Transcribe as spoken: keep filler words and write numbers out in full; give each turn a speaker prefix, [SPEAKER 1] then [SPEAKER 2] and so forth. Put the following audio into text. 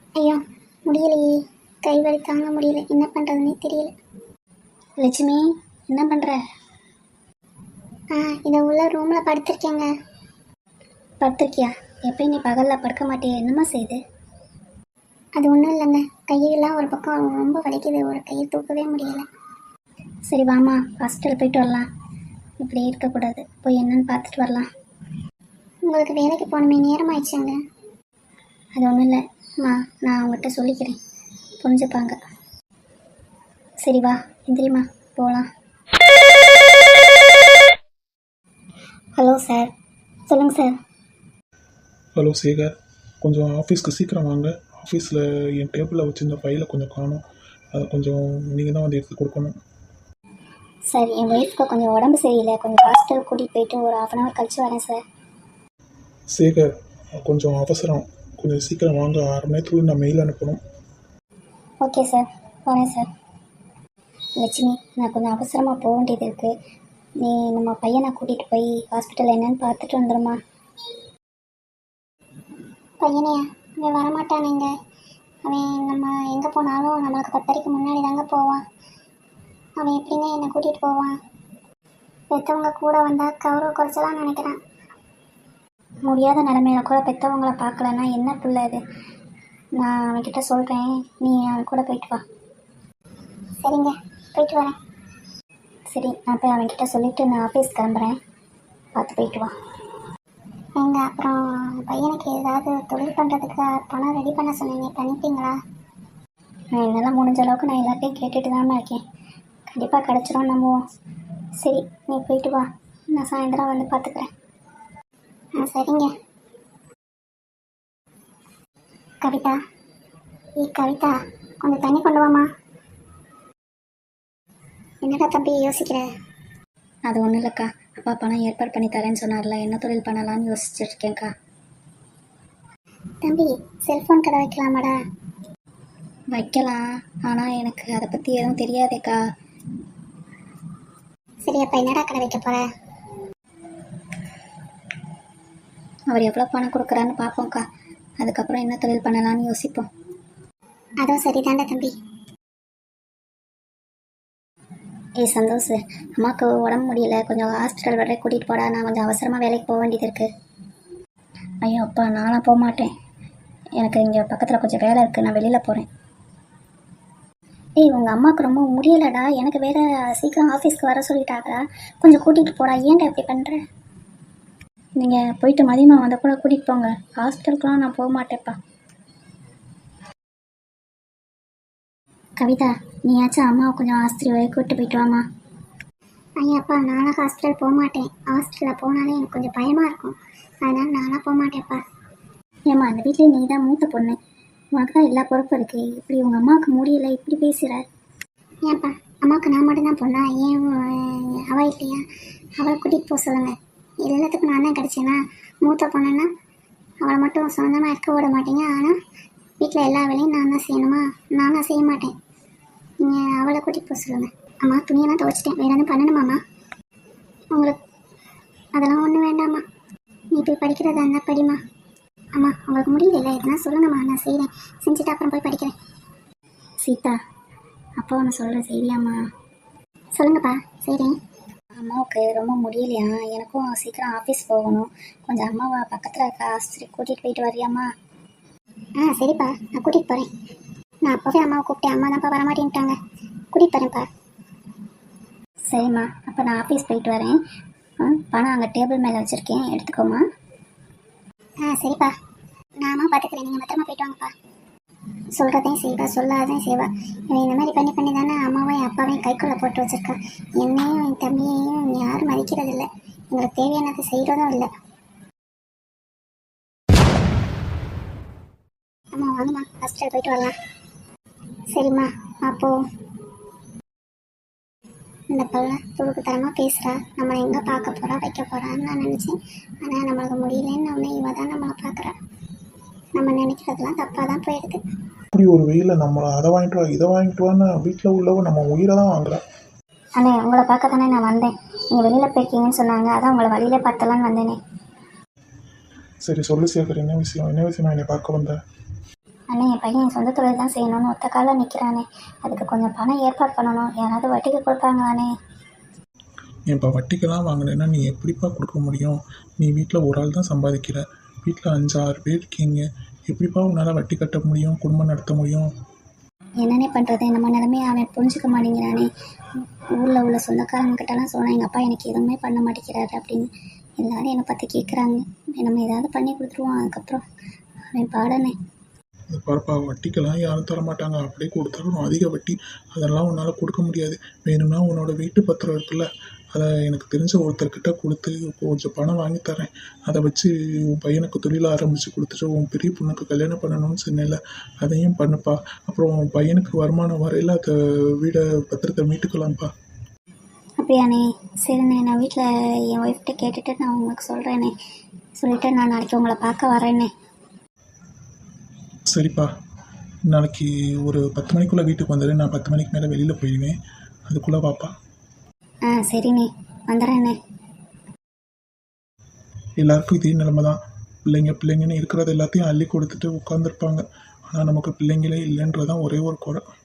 [SPEAKER 1] ஐயோ முடியலையே, கை வலி தாங்க முடியல, என்ன பண்ணுறதுன்னே தெரியல.
[SPEAKER 2] லட்சுமி, என்ன பண்ணுற?
[SPEAKER 1] ஆ இதை உள்ள ரூமில் படுத்திருக்கேங்க.
[SPEAKER 2] படுத்திருக்கியா? எப்பயும் நீ பகலில் படுக்க மாட்டியே, என்னம்மா செய்யுது?
[SPEAKER 1] அது ஒன்றும் இல்லைங்க, கையெல்லாம் ஒரு பக்கம் ரொம்ப வலிக்குது, ஒரு கையை தூக்கவே முடியல.
[SPEAKER 2] சரி வாமா, ஹாஸ்பிட்டல் போயிட்டு வரலாம். இப்படி இருக்கக்கூடாது, போய் என்னன்னு பார்த்துட்டு வரலாம்.
[SPEAKER 1] உங்களுக்கு வேலைக்கு போகணுமே, நேரம் ஆயிடுச்சுங்க.
[SPEAKER 2] அது ஒன்றும் இல்லை அம்மா, நான் அவங்ககிட்ட சொல்லிக்கிறேன், புரிஞ்சுப்பாங்க. சரி வா, எந்திரிம்மா, போகலாம். ஹலோ சார், சொல்லுங்கள் சார்.
[SPEAKER 3] ஹலோ சேகர், கொஞ்சம் ஆஃபீஸ்க்கு சீக்கிரம் வாங்க. ஆஃபீஸில் என் டேபிளில் வச்சுருந்த ஃபைலை கொஞ்சம் காணும், அதை கொஞ்சம் நீங்கள் தான் வந்து எடுத்து கொடுக்கணும்.
[SPEAKER 2] சார், என் ஒய்ஃப்க்கு கொஞ்சம் உடம்பு சரியில்லை, கொஞ்சம் ஹாஸ்பிட்டல் கூட்டிகிட்டு போயிட்டு ஒரு ஆஃப் அன் ஹவர் கழிச்சு வரேன் சார்.
[SPEAKER 3] சேகர், கொஞ்சம் அவசரம், கொஞ்சம் சீக்கிரம் வாங்க. ஆறு மணி நேரத்துக்குள்ள நான் மெயில் அனுப்பணும்.
[SPEAKER 2] ஓகே சார், வரேன் சார். லட்சுமி, நான் கொஞ்சம் அவசரமாக போக வேண்டியது இருக்குது. நீ நம்ம பையனை கூட்டிகிட்டு போய் ஹாஸ்பிட்டல் என்னன்னு பார்த்துட்டு வந்துடுமா?
[SPEAKER 1] பையனையா? அவன் வரமாட்டானுங்க. அவன் நம்ம எங்கே போனாலும் நம்மளுக்கு பத்தரைக்கு முன்னாடி தாங்க போவான். அவன் எப்படிங்க என்னை கூட்டிகிட்டு போவான்? பெற்றவங்க கூட வந்தால் கௌரவ குறைச்சலான்னு நினைக்கிறான்.
[SPEAKER 2] முடியாத நிலமையில கூட பெற்றவங்கள பார்க்கலன்னா என்ன பிள்ளை இது? நான் அவன்கிட்ட சொல்கிறேன், நீ அவன் கூட போயிட்டு வா.
[SPEAKER 1] சரிங்க, போயிட்டு வரேன்.
[SPEAKER 2] சரி, நான் போய் அவன்கிட்ட சொல்லிவிட்டு நான் ஆஃபீஸ் கிளம்புறேன், பார்த்து போயிட்டு வா.
[SPEAKER 1] எங்க அப்புறம் பையனுக்கு ஏதாவது தொழில் பண்ணுறதுக்கு பணம் ரெடி பண்ண சொன்னீங்க, பண்ணிட்டீங்களா?
[SPEAKER 2] நான் என்னால் முடிஞ்ச அளவுக்கு நான் எல்லாத்தையும் கேட்டுட்டு தான் இருக்கேன். கண்டிப்பாக கிடச்சிரும், நம்புவோம். சரி, நீ போயிட்டு வா, நான் சாயந்தரம் வந்து பார்த்துக்கிறேன்.
[SPEAKER 1] ஆ சரிங்க. கவிதா, ஏ கவிதா, கொஞ்சம் தண்ணி கொண்டு வாமா. என்னடா தம்பி யோசிக்கிற?
[SPEAKER 2] அது ஒன்றும் இல்லைக்கா, அப்பா பணம் ஏற்பாடு பண்ணி தரேன்னு சொன்னார்ல, என்ன தொழில் பண்ணலான்னு யோசிச்சுருக்கேன்க்கா.
[SPEAKER 1] தம்பி, செல்ஃபோன் கடை வைக்கலாமாடா?
[SPEAKER 2] வைக்கலாம், ஆனால் எனக்கு அதை பற்றி எதுவும் தெரியாதேக்கா.
[SPEAKER 1] சரி, அப்போ என்னடா கடை வைக்க போகிற?
[SPEAKER 2] அவர் எவ்வளோ பணம் கொடுக்குறான்னு பார்ப்போம்க்கா, அதுக்கப்புறம் என்ன தொழில் பண்ணலான்னு யோசிப்போம்.
[SPEAKER 1] அதுவும் சரிதாண்டா தம்பி.
[SPEAKER 2] ஏய் சந்தோஷ், அம்மாவுக்கு உடம்பு முடியல, கொஞ்சம் ஹாஸ்பிட்டல் வரை கூட்டிகிட்டு போடா, நான் கொஞ்சம் அவசரமாக வேலைக்கு போக வேண்டியது இருக்குது. ஐயோ அப்பா, நானும் போக மாட்டேன், எனக்கு இங்கே பக்கத்தில் கொஞ்சம் வேலை இருக்குது, நான் வெளியில் போகிறேன். ஏய், உங்கள் அம்மாவுக்கு ரொம்ப முடியலடா, எனக்கு வேறு சீக்கிரம் ஆஃபீஸ்க்கு வர சொல்லிட்டாங்கடா, கொஞ்சம் கூட்டிகிட்டு போடா. ஏன்டா இப்படி பண்ணுற? நீங்கள் போயிட்டு மதியமாக வந்தால் கூட கூட்டிகிட்டு போங்க, ஹாஸ்பிட்டலுக்குலாம் நான் போக மாட்டேன்ப்பா. கவிதா, நீயாச்சும் அம்மாவை கொஞ்சம் ஆஸ்பத்திரி வரை கூப்பிட்டு போயிட்டு வாமா.
[SPEAKER 1] ஐயாப்பா, நானும் ஹாஸ்பிட்டல் போக மாட்டேன். ஹாஸ்பிட்டலில் போனாலே எனக்கு கொஞ்சம் பயமாக இருக்கும், அதனால் நானும் போக மாட்டேன்ப்பா.
[SPEAKER 2] ஏம்மா, அந்த வீட்டில் நீ தான் மூத்த பொண்ணு, உனக்கு தான் எல்லா பொறுப்பும் இருக்குது, இப்படி உங்கள் அம்மாவுக்கு முடியலை இப்படி பேசுகிற?
[SPEAKER 1] ஏன்ப்பா, அம்மாவுக்கு நான் மட்டும்தான் பொண்ணா? ஏன் அவள் இல்லையா? அவளை கூட்டிகிட்டு போக சொல்லுங்கள். எல்லாத்துக்கும் நான் தான் கிடச்சேன்னா, மூத்த பொண்ணுன்னா அவளை மட்டும் சொந்தமாக இருக்க விட மாட்டீங்க, ஆனால் வீட்டில் எல்லா வேலையும் நான் தான் செய்யணுமா? நானும் செய்ய மாட்டேன். நீங்கள் அவளை கூட்டிகிட்டு போக சொல்லுங்கள். அம்மா, துணியெல்லாம் துவைச்சிட்டேன், வேறு எதுவும் பண்ணணுமாம்மா? உங்களுக்கு அதெல்லாம் ஒன்றும் வேண்டாம்மா, நீ போய் படிக்கிறதா இருந்தால் படிமா. அம்மா, உங்களுக்கு முடியல, இதெல்லாம் சொல்லுங்கம்மா, நான் செய்கிறேன், செஞ்சுட்டு அப்புறம் போய் படிக்கிறேன்.
[SPEAKER 2] சீதா, அப்பா ஒன்று சொல்கிறேன், சரியாம்மா?
[SPEAKER 1] சொல்லுங்கப்பா, செய்கிறேன்.
[SPEAKER 2] அம்மாவுக்கு ரொம்ப முடியலையா, எனக்கும் சீக்கிரம் ஆஃபீஸ் போகணும், கொஞ்சம் அம்மாவை பக்கத்தில் இருக்க ஆஸ்பத்திரி கூட்டிகிட்டு போயிட்டு வரியாம்மா?
[SPEAKER 1] ஆ சரிப்பா, நான் கூட்டிகிட்டு போகிறேன். நான் அப்போவே அம்மாவை கூப்பிட்டேன், அம்மா தான்ப்பா வரமாட்டேன்ட்டாங்க, கூட்டிகிட்டு போகிறேன்ப்பா.
[SPEAKER 2] சரிம்மா, அப்போ நான் ஆஃபீஸ் போயிட்டு வரேன். பணம் அங்கே டேபிள் மேலே வச்சுருக்கேன், எடுத்துக்கோமா.
[SPEAKER 1] ஆ சரிப்பா, நான் அம்மா பார்த்துக்கிறேன், நீங்கள் பத்திரமா போயிட்டு வாங்கப்பா. சொல்கிறதையும் செய்வா, சொல்லாதையும் செய்வா. இவன் இந்த மாதிரி பண்ணி பண்ணி தானே அம்மாவையும் அப்பாவையும் கைக்குள்ளே போட்டு வச்சுருக்கா. என்னையும் என் தம்பியையும் யாரும் மதிக்கிறதில்லை, எங்களுக்கு தேவையானதை செய்கிறதும் இல்லை. அம்மா வாங்கம்மா, ஹாஸ்பிட்டல் போயிட்டு வரலாம். சரிம்மா, அப்போது இந்த பல்ல துடுக்கு தரமாக பேசுகிறா, நம்மளை எங்கே பார்க்க போகிறா வைக்க போகிறான்னு நான் நினச்சேன். ஆனால் நம்மளுக்கு முடியலன்னு ஒன்று இவ தான் நம்மளை பார்க்குறா. நம்ம நினைக்கிறதுலாம் தப்பாக தான் போயிடுது.
[SPEAKER 3] அப்படி ஒரு வெயிலில் நம்மளை அதை வாங்கிட்டு வா இதை வாங்கிட்டு வான்னு வீட்டில் உள்ளவங்க நம்ம உயிரை தான் வாங்குறேன்.
[SPEAKER 2] அண்ணே, உங்களை பார்க்க தானே நான் வந்தேன், நீங்கள் வெளியில் போயிருக்கீங்கன்னு சொன்னாங்க, அதான் உங்களை வழியில் பார்த்தலான்னு வந்தேனே.
[SPEAKER 3] சரி சொல்லு சேகர், என்ன விஷயம்? என்ன விஷயமா என்னை பார்க்க வந்த?
[SPEAKER 2] அண்ணே என் பையன் சொந்த தொழில் தான் செய்யணும்னு ஒத்த காலில் நிற்கிறானே, அதுக்கு கொஞ்சம் பணம் ஏற்பாடு பண்ணணும். யாராவது வட்டிக்கு கொடுப்பாங்களாண்ணே?
[SPEAKER 3] இப்போ வட்டிக்கெல்லாம் வாங்கினேன்னா நீ எப்படிப்பா கொடுக்க முடியும்? நீ வீட்டில் ஒரு ஆள் தான் சம்பாதிக்கிற, வீட்டில் அஞ்சு ஆறு பேர் இருக்கீங்க, எப்படிப்பா உன்னால் வட்டி கட்ட முடியும், குடும்பம் நடத்த முடியும்?
[SPEAKER 2] என்னண்ணே பண்ணுறது, நம்ம நிலமையை அவன் புரிஞ்சுக்க மாட்டேங்கிறானே. ஊரில் உள்ள சொந்தக்காரங்கிட்டலாம் சொன்னேன், எங்கள் அப்பா எனக்கு எதுவுமே பண்ண மாட்டேங்கிறாரு அப்படின்னு. எல்லாரும் என்னை பற்றி கேட்குறாங்க. நம்ம ஏதாவது பண்ணி கொடுத்துருவோம், அதுக்கப்புறம் அவன் பாடனே.
[SPEAKER 3] அது பாருப்பா, வட்டிக்கெல்லாம் யாரும் தர மாட்டாங்க, அப்படியே கொடுத்தாலும் அதிக வட்டி, அதெல்லாம் உன்னால் கொடுக்க முடியாது. வேணும்னா உன்னோட வீட்டு பத்திரம் இருக்குல்ல, அதை எனக்கு தெரிஞ்ச ஒருத்தர்கிட்ட கொடுத்து கொஞ்சம் பணம் வாங்கி தரேன். அதை வச்சு உன் பையனுக்கு தொழில் ஆரம்பித்து கொடுத்துட்டு உன் பெரிய பொண்ணுக்கு கல்யாணம் பண்ணணும்னு சொன்னேன்ல, அதையும் பண்ணுப்பா. அப்புறம் உன் பையனுக்கு வருமானம் வரையில் அதை வீடை பத்திரத்தை மீட்டுக்கலாம்ப்பா.
[SPEAKER 2] அப்படியாண்ணே? சரிண்ணே, நான் வீட்டில் என் ஒய்ஃப்கிட்ட கேட்டுட்டு நான் உங்களுக்கு சொல்கிறேண்ணே. சொல்லிவிட்டு நான் நாளைக்கு உங்களை பார்க்க வரேண்ணே.
[SPEAKER 3] சரிப்பா, நாளைக்கு ஒரு பத்து மணிக்குள்ளே வீட்டுக்கு வந்துடு. நான் பத்து மணிக்கு மேலே வெளியில் போயிடுவேன், அதுக்குள்ளே வாப்பா.
[SPEAKER 2] ஆ சரிண்ணே, வந்துடுறேண்ணே.
[SPEAKER 3] எல்லாருக்கும் இதே நிலைமை தான். பிள்ளைங்க பிள்ளைங்கன்னு இருக்கிறது எல்லாத்தையும் அள்ளி கொடுத்துட்டு உட்காந்துருப்பாங்க. ஆனால் நமக்கு பிள்ளைங்களே இல்லைன்றதான் ஒரே ஒரு குறை.